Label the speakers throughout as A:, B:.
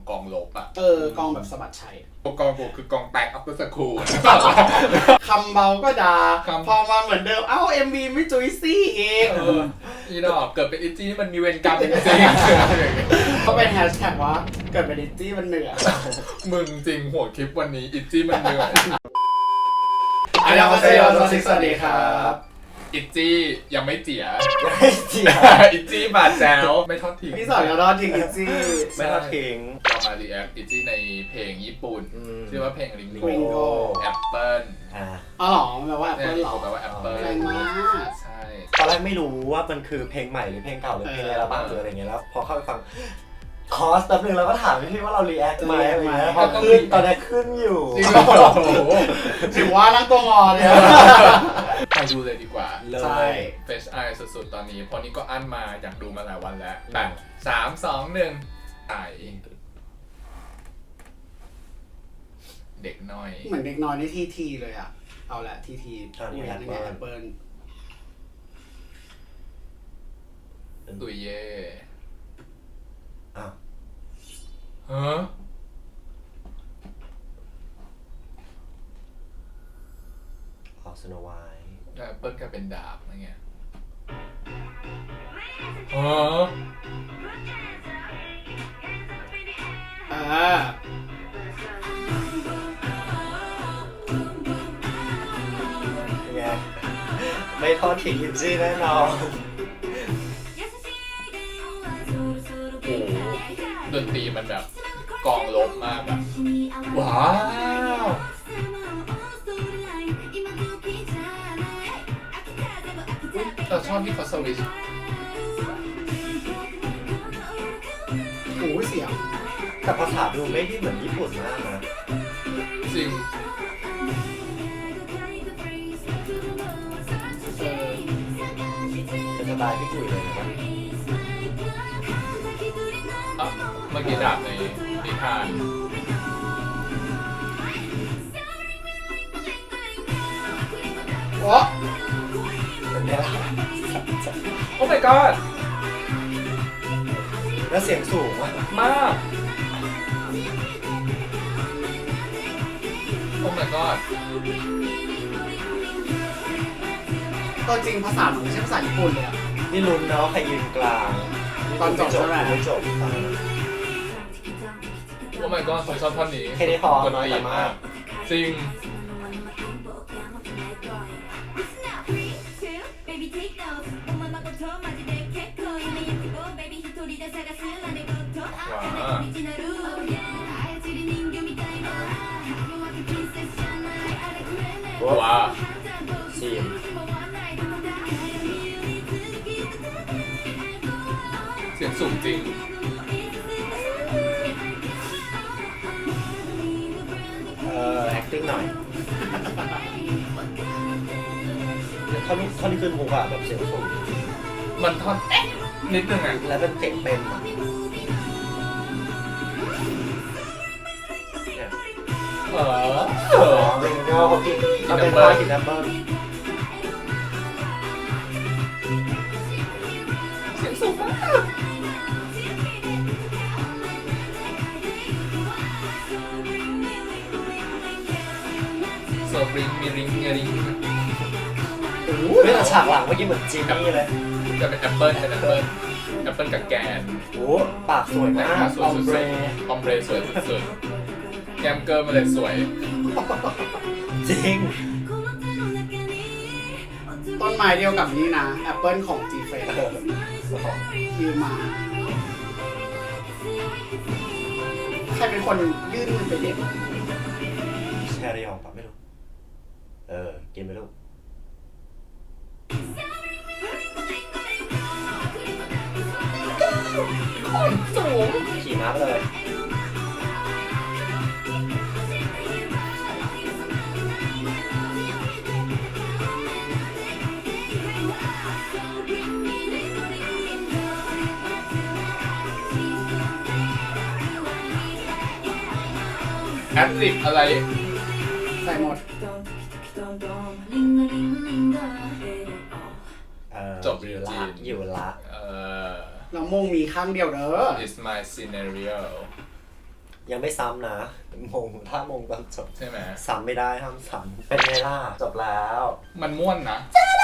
A: กองลบอ่ะ
B: กองแบบสะบัดชัย
A: กองกูคือกองแตกอัปเปอร์สคูล
B: คำเบาก็ด่าพอมาเหมือนเดิมเอ้า MV ไม่จุยซี่เอง
A: อีดอกเกิดเป็นอิจี้นี่มันมีเวรกรรมจริงๆ
B: เขาเป็นแฮชแท็กว่าเกิดเป็นอิจี้มันเหนื่อย
A: มึงจริงหัวคลิปวันนี้อิจี้มันเหนื่อย
B: อันยองเซโยสวัสดีครับ
A: อิจี้ยังไม่เจี๋ยอิจี้บาดแจวไม่ทอดทิ้ง
B: พี่สอนเราทอดทิ้งอิจี้
C: ไม่ทอดทิ้ง
A: เรามารีแอคอิจี้ในเพลงญี่ปุ่นชื่อว่าเพลงริงโกแอปเปิล
B: อ๋อหรอแปลว่าแอปเปิลหรอ
A: แปลว่าแอปเปิล
B: แรงมาก
A: ใช่
C: ตอนแรกไม่รู้ว่ามันคือเพลงใหม่หรือเพลงเก่าหรือเพลงอะไรบ้างหรืออะไรเงี้ยแล้วพอเข้าไปฟังคอสแป๊บนึงเราก็ถามพี่ว่าเรารีแอคไหมอะไรเงี้ยพอขึ้นตอนนี้ขึ้นอยู่
B: ถือว่านั่งตัวงอเลย
A: ไปดูเลยดีกว่า
B: ใช่
A: เฟชไอสุดๆตอนนี้เพราะนี้ก็อั้นมาอยากดูมาหลายวันแล้วแต่3-2-1ไอเด็กน้อย
B: เหมือนเด็กน้อยในทีเลยอ่ะเอาละที
C: นี่
B: แอปเปิล
A: ตุยเย่
C: อ้าว
A: ฮะ
C: ออกสโนไวท์
A: แอปเปิลกลายเป็นดาบอะไรเงี้ยฮะ
C: ไงไม่ทอดทิ้งอินซี่แน่นอน
A: ดนตรีมันแบบกองลบมากแบบว้าวเราชอบที่เขาสวิช
B: โอ้เสียง
C: แต่ภาษาดูไม่ได้เหมือนญี่ปุ่นมากนะ
A: จริง
C: เป็นสไตล์พี่กุยเลยนะ
A: เมื่อกี้ดาบในนิทาน
B: โอ้
C: เป็นเนี่ย
A: โอ้ my god
C: แล้วเสียงสูง
A: มากโอ้ my god
B: ตัวจริงภาษาไม่ใช่ภาษาญี่ปุ่นเลยอ่ะ
C: นี่ลุ้นเนาะใครยืนกลาง
B: ตอนจบใช่ไหม
C: ไม่จบ
A: โอ้ my god ผมชอบท่อนนี้
C: แค่นี้พอน้อยแต่มาก
A: จริงว้าว
C: ซีม
A: เสียงสูงจริง
C: acting หน่อยท่อนที่ขึ้นฮุกอะแบบเสียงสูง
A: มันท่อนนิดนึงอ่ะ
C: แล้วเป็นเสียงเต็มเริงก็เขากินเขาเป็นผ้ากินน้ำเบิ้ล
A: เสียงสูงมากโซบริงมีริง
C: ไม่แต่ฉากหลังเมื่อกี้เหมือนจีนี่เลย
A: จะเป็นแอปเปิลกับแกน
C: โอ้ปากสวยมาก
A: ออมเบรสวยสุดๆแกมเกอร์มาเลยสวย
C: จริง
B: ต้นไม้เดียวกับนี่นะแอปเปิลของจีเฟนยืมมาใครเป็นคนยื่นมันไปเด็ด
C: แชร์ได้หรอปะไม่รู้กินไปลูก
A: สูง
C: ขี่ม้าไปเลย
A: แอดลิปอะไร
B: ใส่หมด
A: จบอยู่จีน
C: อยู่ละ
B: เรามงมีข้างเดียวเด้อ
A: It's my scenario
C: ยังไม่ซ้ำนะมงถ้ามงตอนจบ
A: ใช่ไหม
C: ซ้ำไม่ได้ห้ามซ้ำเป็นไงล่ะจบแล้ว
A: มันม่วนนะ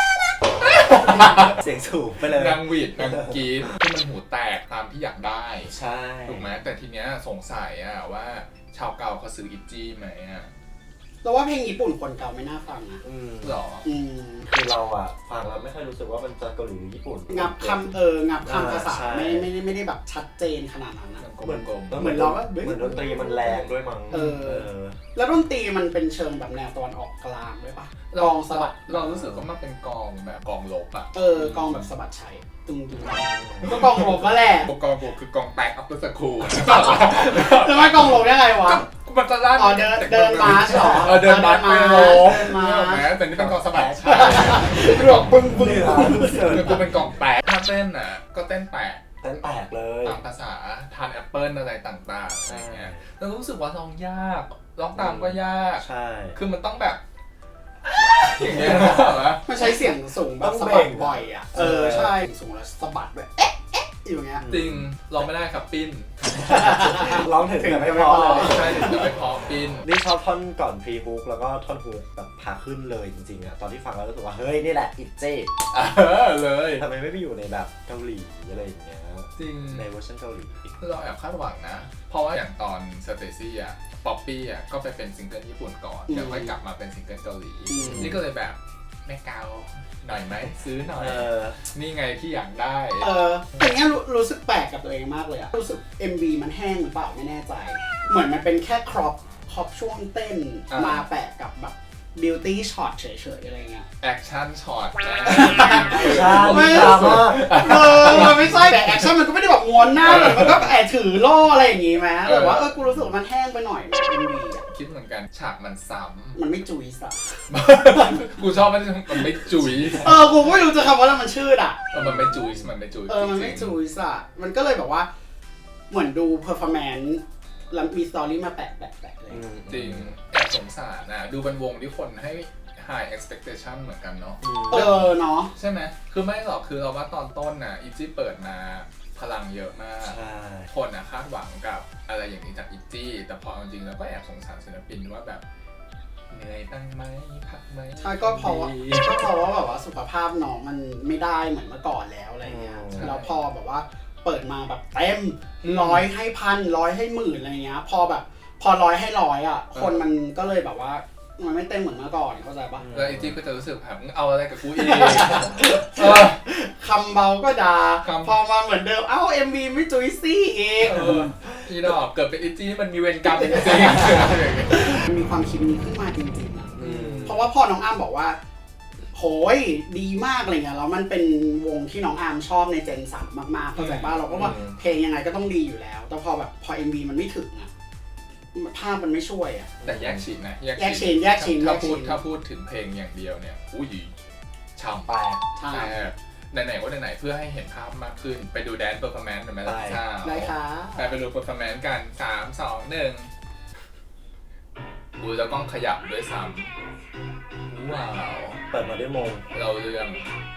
C: เสียงสูงไปเลย
A: นางหวีดนางกรีดที่มันหูแตกตามที่อยากได้
C: ใช่
A: ถูกไหมแต่ทีเนี้ยสงสัยอะว่าชาวเก่าเขาซื้ออิจิไหมอะ
B: เราว่าเพลงญี่ปุ่นคนเก่าไม่น่าฟังนะ
A: หรอ
C: คือเราอะฟังแล้วไม่ค่อยรู้สึกว่ามันจะเกาหลีหรือญี่ปุ่น
B: งับคำภาษา
C: ใช่
B: ไม่ได้แบบชัดเจนขนาดนั้นนะ
A: เหมือนกลม
B: เหมือนเราก็
C: เหมือนดนตรีมันแรงด้วยมั้ง
B: แล้วดนตรีมันเป็นเชิงแบบแนวตะวันออกกลางด้วยปะ
A: ๆ
B: กองสะบัด
A: เรารู้สึกว่ามันเป็นกองแบบกองลบอะ
B: กองแบบสะบัดชัยตึงมันก็กองลบมาแหละ
A: กองลบคือกองแตกอัพเตอร์สคูล
B: แล้วมันกองลบยังไงวะ
A: มันจะลั่น
B: อ๋อเดินมาร์ชเหรอ
A: เดินมาร์ชไปลบ
B: เดินมา
A: แม้แต่นี่เป็นกองสะบัด
B: รวบบึ้ง
A: คือกูเป็นกองแตกถ้าเต้นอะก็เต้นแตก
C: เต้นแตกเลย
A: ตามภาษาทานแอปเปิลอะไรต่างๆอะไรเงี้ยแล้วรู้สึกว่าร้องยากร้องตามก็ยาก
C: ใช่
A: คือมันต้องแบบอย่างเงี้ยเหรอ
B: มันใช้เสียงสูงแบบสะบัดบ่อยอ่ะใช่สูงแล้วสะบัดแบบเอ๊ะอยู่เงี้ย
A: จริงร้องไม่ได้ครับปิ้น
C: ร้องถึงแต่ไม่พอเลย
A: ใช่ถึงจะไม่พอปิ้น
C: นี่ชอบท่อนก่อนพรีฮุกแล้วก็ท่อนฮุกแบบพาขึ้นเลยจริงๆอะตอนที่ฟังแล้วรู้สึกว่าเฮ้ยนี่แหละอิเจ
A: เลย
C: ทำไมไม่ไปอยู่ในแบบเกาหลีอะไรอย่างเงี้ย
A: จริง
C: ในเวอร์ชันเกาหลี
A: เราแอบคาดหวังนะ เพราะว่าอย่างตอนสเตซี่อ่ะป๊อปปี้อ่ะก็ไปเป็นซิงเกิลญี่ปุ่นก่อนแล้วค่อยกลับมาเป็นซิงเกิลเกาหลีนี่ก็เลยแบบแม่เกาหน่อยไหมซื้อหน่อยนี่ไงที่อยากได้
B: แต่เนี้ยรู้สึกแปลกกับตัวเองมากเลยอะรู้สึก MV มันแห้งหรือเปล่าไม่แน่ใจ เหมือนมันเป็นแค่ครอปช่วงเต้นมาแปะกับแบบบิวตี้ช็อตเฉยๆอะไรเงี้ย
A: แอคชั่นช็อตนะ
C: ใช่ดราม่า
B: มันไม่ใช่แต่แอคชั่นมันก็ไม่ได้แบบม้วนหน้าแบบมันก็แอบถือล่ออะไรอย่างงี้ไหมแต่ว่ากูรู้สึกว่ามันแห้งไปหน่อย MV อะ
A: คิดเหมือนกันฉากมันซ้
B: มันไม่จุยสะ
A: ำ กูชอบมันไม่จุย
B: กูไม่รู้จะคำว่าอะไรมันชื่ออ่ะ
A: มันไม่จุยมันไม่จุย
B: มันไม่จุยสะมันก็เลยแบบว่าเหมือนดูเพอร์ฟอร์แมนซ์แล้วมีสตอรี่มาแปะเลย
A: จริงแอบสงสารนะดูเป็นวงที่คนให้ high expectation เหมือนกันเนาะ
B: เนาะ
A: ใช่ไหมคือไม่หรอกคือเราว่าตอนต้นน่ะอีจี้เปิดมาพลังเยอะมาก
C: ใช่
A: คนคาดหวังกับอะไรอย่างนี้จากอีจี้แต่พอเอาจริงแล้วก็แอบสงสารศิลปินว่าแบบเหนื่อยบ้างไหมพักไหม
B: ใช่ก็เพราะว่าแบบว่าสุขภาพน้องมันไม่ได้เหมือนเมื่อก่อนแล้วอะไรเงี้ยแล้วพอแบบว่าเปิดมาแบบเต็ม100ให้พัน100ให้หมื่นอะไรเงี้ยพอ100ให้100อ่ะคนมันก็เลยแบบว่ามันไม่เต็มเหมือนเมื่อก่อนเข้าใจปะ
A: แล้วอีจี้ก็จะรู้สึกแบบมึงเอาอะไรกับกูอีก
B: คำเบาก็ด่าพอมาเหมือนเดิมMV ไม่จุยซี่อีก
A: อีดอกเกิดเป็นอีจี้มันมีเวรกรรมจริง
B: มันมีความคิดนี้ขึ้นมาจริงๆอ่ะเพราะว่าพอน้องอ้ำบอกว่าโหยดีมากอะไรเงี้ยแล้วมันเป็นวงที่น้องอาร์มชอบในเจน3มากๆเข้าใจป่ะเราก็ว่าเพลงยังไงก็ต้องดีอยู่แล้วแต่พอ MV มันไม่ถึงอะภาพมันไม่ช่วยอะ
A: แต่แยกชิ้นนะ
B: แยกชิ้น
A: ถ้าพูดถึงเพลงอย่างเดียวเนี่ยอุ้ยช่ำ
C: แปลก
A: แต่ไหนๆก็ไหนๆเพื่อให้เห็นภาพมากขึ้นไปดูแดนซ์เพอร์ฟอร์แมนซ์หน่อยไหมล่ะช่ำ
B: ได้ค่ะ
A: ไปดูเพอร์ฟอร์แมนซ์กัน 3 2 1บูจะต้องขยับด้วยซ้ำว้าว
C: เปิดมาด้วยมง
A: เราเรื่อง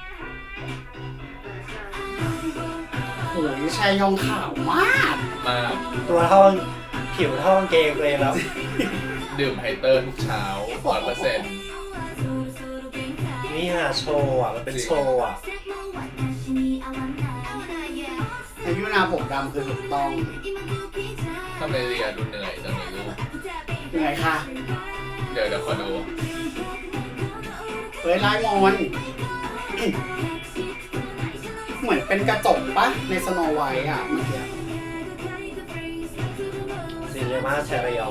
B: โหยชายยองขาวมาก
A: มาก
C: ตัวเท่าผิวเท่ากางเกงตัวเองแล้ว
A: ดื่มไฮเตอร์ทุกเช้า 100%
C: นี่ฮะโชว์อ่ะมันเป็นโชว์อ่ะ
B: อายุนาผมดำคือถูกต้อง
A: ทำไมเรียดูเหนื่อยจังเลยลูก
B: เหนื่อยค่ะ
A: เดี๋ยวขอดู
B: เฮ้ยลายมอนเหมือนเป็นกระจกปะในสโนไวท์อ่ะเมื่อกี้
C: ซินเนมาแชรยอง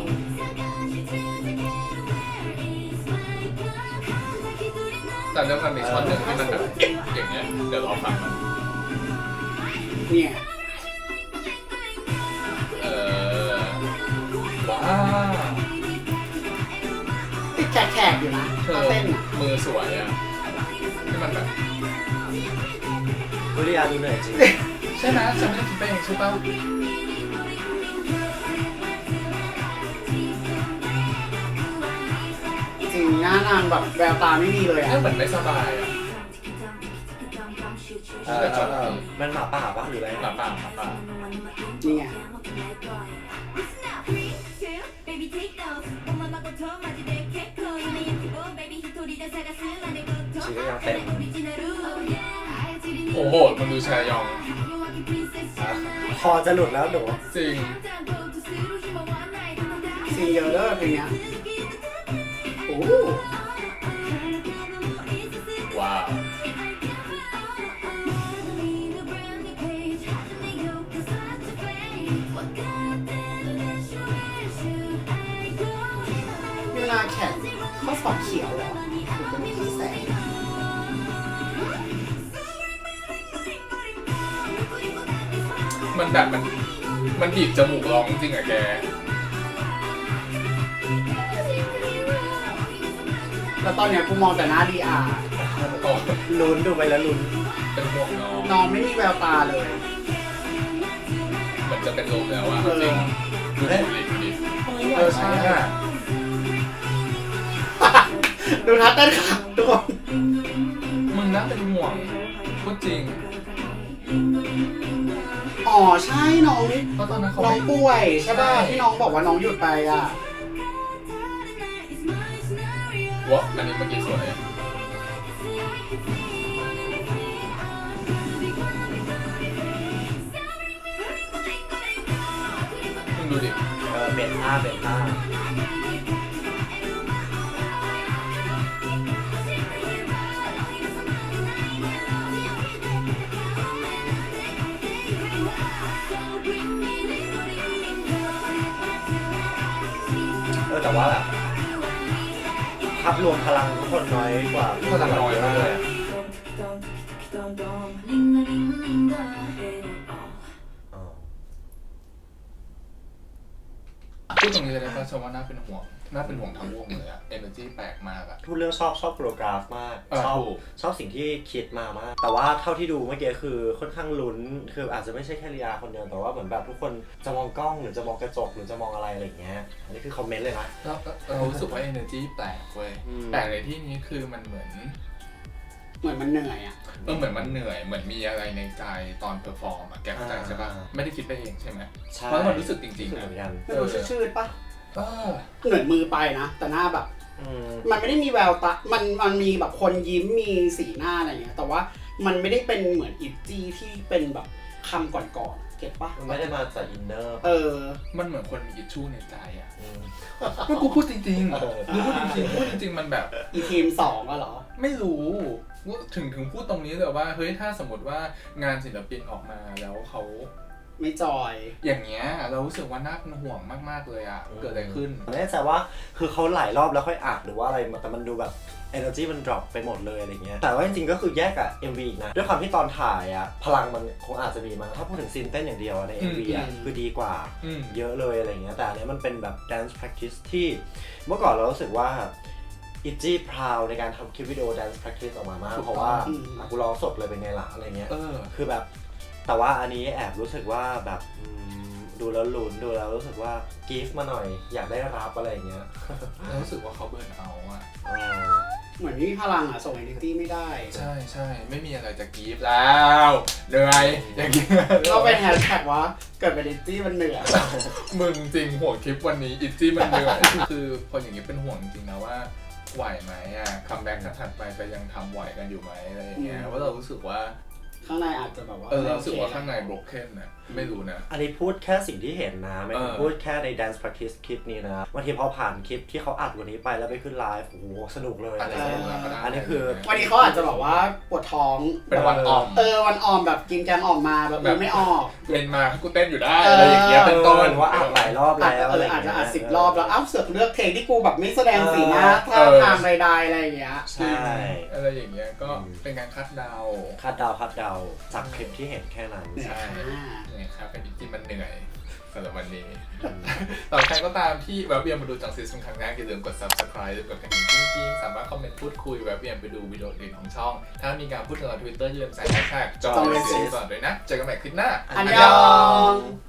A: แต่เรื่องมันมีช็อตหนึ่งที่มันแบบอย่างเงี้ยเดี๋ยวรอฟังมัน
B: เนี่ย
A: ว้า
B: ติดแขกอยู่นะ
A: เธอ
B: เต้นอ่ะ
A: มือสวยอ่ะที่มันแบบ
C: วิริยาดูเหนื่อยจริง
A: ใช่ไหมฉันไม่ได้คิดไปเองใช่ป่ะ
B: จริงหน้านางแบบแววตาไม่มีเลยอ่ะ
A: เหมือนไม่สบายอ่ะ
C: มันหมาป่าปะหรืออะไร
A: หมาป่า
B: นี่ไง
C: ชีก็ยังเต็ม
A: โอ้โหมันดูชายอง
C: คอจะหลุดแล้วหนู
A: จริง
B: ซีเยอะเด้อเพลงเนี้ยโอ้
A: ว้าว
B: เวลาแข่งข้อสอบเขียวเหรอหรือเป็นที่แสง
A: มันแบบมันบีบจมูกร้องจริงอะแก
B: แล้วตอนเนี้ยกูมองแต่หน้าดีอาร์
A: โอ้
C: ลุ้นดูไปแล้วลุ้น
A: เป็นห่วงน้อง
B: น้องไม่มีแววตาเลย
A: เหมือนจะเป็นลมแล้วอะจริงดูดิใช่อะ
B: ดูท่าเต้นค่ะทุกคน
A: มึงน่าเป็นห่วงพูดจริง
B: อ๋อใช่น้อง
A: เพราะตอนนั้นเขา
B: น้องป่วยใช่ป่ะ
A: ใช่
B: ที่น้องบอกว่าน้องหยุดไปอ่ะ
A: วะอันนี้เมื่อกี้สวยมึงดูดิ
C: เบนท่าเบนท่า แต่ว่าแบบภาพรวมพลังทุกคนน้อยกว่า
A: พลังน้อยมากเลยอะ
C: อ๋อ
A: พูดตรงนี้เลยนะชมว่าน่าเป็นห่วงทั้งวงเลยอะenergy แปลกมากอะ
C: พูดเรื่องชอบโปรกราฟมาก
A: ถูก
C: ชอบสิ่งที่คิดมามาก แต่ว่าเท่าที่ดูเมื่อกี้คือค่อนข้างลุ้นคืออาจจะไม่ใช่แค่ลีอาคนเดียวแต่ว่าเหมือนแบบทุกคนจะมองกล้องหรือจะมองกระจกหรือจะมองอะไรอะไรอย่างเงี้ยอันนี้คือคอมเมนต์เลยนะ
A: เรารู้สึกว่า energy แปลกเว้ย
C: อืม
A: แปลกในที่นี้คือมันเหมือน
B: มันเหนื่อยอ่ะ
A: เหมือนมันเหนื่อยเหมือนมีอะไรในใจตอนเพอร์ฟอร์มอะแกเข้าใจใช่ปะไม่ได้คิดไปเองใช่ไหม
C: ใช่
A: เพราะมันรู้สึกจริงๆ
C: เห
A: นะ
C: มือนกัน
B: ไม่รู้ชืดๆปะ
A: เออ
B: เหมือนมือไปนะ แต่หน้าแบบ
C: อืม
B: มันไม่ได้มีแววตา มันมีแบบคนยิ้มมีสีหน้าอะไรเงี้ย แต่ว่ามันไม่ได้เป็นเหมือนอิจี้ที่เป็นแบบคำก่อนๆเก็ตปะ
C: มันไม่ได้มาจากอินเนอร์
A: มันเหมือนคนมีอิชชูในใจอะ
C: อืม
A: ก็กูพูดจริง
C: เออ
A: ๆกูพูดจริงๆมันแบบ
B: อีทีมสองอะเหรอ
A: ไม่รู้ถึงพูดตรงนี้เลยว่าเฮ้ยถ้าสมมติว่างานศิลปินออกมาแล้วเขา
B: ไม่จอย
A: อย่างเงี้ยเรารู้สึกว่าน่าเป็นห่วงมากๆเลยอะเกิดอะไรขึ้น
C: ไม่แน่ใจว่าคือเขาหลายรอบแล้วค่อยอัดหรือว่าอะไรแต่มันดูแบบ energy มัน drop ไปหมดเลยอะไรเงี้ยแต่ว่าจริงๆก็คือแยกกับ MV อีกนะด้วยความที่ตอนถ่ายอะพลังมันคงอาจจะมีมั้งถ้าพูดถึงซีนเต้นอย่างเดียวใน MV อะ
B: อืม
C: คือดีกว่า
A: อืม
C: เยอะเลยอะไรเงี้ยแต่อันเนี้ยมันเป็นแบบ dance practice ที่เมื่อก่อนเรารู้สึกว่าอิจี้พราวในการทำคลิปวิดีโอ dance practice ออกมามาก
A: ถูกต้อง
C: เพราะว่ากูร้องสดเลยเป็นไงล่ะอะไรเงี้ย
A: เออ
C: คือแบบแต่ว่าอันนี้แอบรู้สึกว่าแบบดูแล้วลุ้นดูแล้วรู้สึกว่ากีฟมาหน่อยอยากได้รับอะไรอย่างเงี้ย
A: เรารู้สึกว่าเขาเบิร์นเอาท์อะ
B: เหมือนไม่มีพลังอะส่งเอเนตี้ไม่ได้
A: ใช่ไม่มีอะไรจะกรีฟแล้วเหนื่อยอย่างเงี้ย
B: ก็เป็นแฮชแท็กว่าเกิดเป็นเอเนตี้มันเหนื่อย
A: มึงจริงห่วงคลิปวันนี้อิตจี้มันเหนื่อย คือพออย่างนี้เป็นห่วงจริงๆนะว่าไหวไหมอะคัมแบ็กถัดไปจะยังทำไหวกันอยู่ไหมอะไรอย่างเงี้ยว่าเรารู้สึกว่า
B: ข้างในอาจจะแบบว่า
A: เรารู้สึกว่าข้างใน broken นะไม่รู้นะ
C: อันนี้พูดแค่สิ่งที่เห็นนะไม่ได้
A: เออ
C: พูดแค่ใน dance practice คลิปนี้นะบางทีพอผ่านคลิปที่เขาอัดวันนี้ไปแล้วไปขึ้นไลฟ์โอ้โหสนุกเลย
A: อาจ
C: อะไร
A: จะ
C: เงี้ย
A: สนุกก็ได้
C: อันนี้คือ
B: วันนี้เขาอาจจะบอกว่าปวดท้อง
A: เป็นวันออม
B: วันออมแบบกินแกงออกมาแบบไม่ออก
A: เล่นมาให้กูเต้นอยู่ได้อะไรอย่างเงี้ยเป็นต้น
C: ว่าอัดหลายรอบแล้วอะไร
B: อาจ
C: เงี้ย
B: จะอัด10 รอบแล้วเสือกเลือกเพลงที่กูแบบไม่แสดงสีหน้าท่าทางใดๆอะไรอย่างเงี้ย
C: ใช่
A: อะไรอย่างเงี้ยก็เป็นการคาดเดา
C: คาดเดาจากคลิปที่เห็นแค่นั้น
B: เหนื่อย
A: ใช่
B: ค่ะ
A: เนี่ยครับเป็นที่มันเหนื่อยสำหรับวันนี้ต่อใครก็ตามที่แวะเวียนมาดูจังซีเป็นครั้งแรกอย่าลืมกด subscribe กดกระดิ่งกิ้งๆสามารถคอมเมนต์พูดคุยแวะเวียนไปดูวิดีโออื่นของช่อง ถ้ามีการพูดถึงเรา Twitter อย่าลืมใส่ hashtag จอยซีก่อนด้วยนะเจอกันใหม่คลิปหน้า
B: อันยอง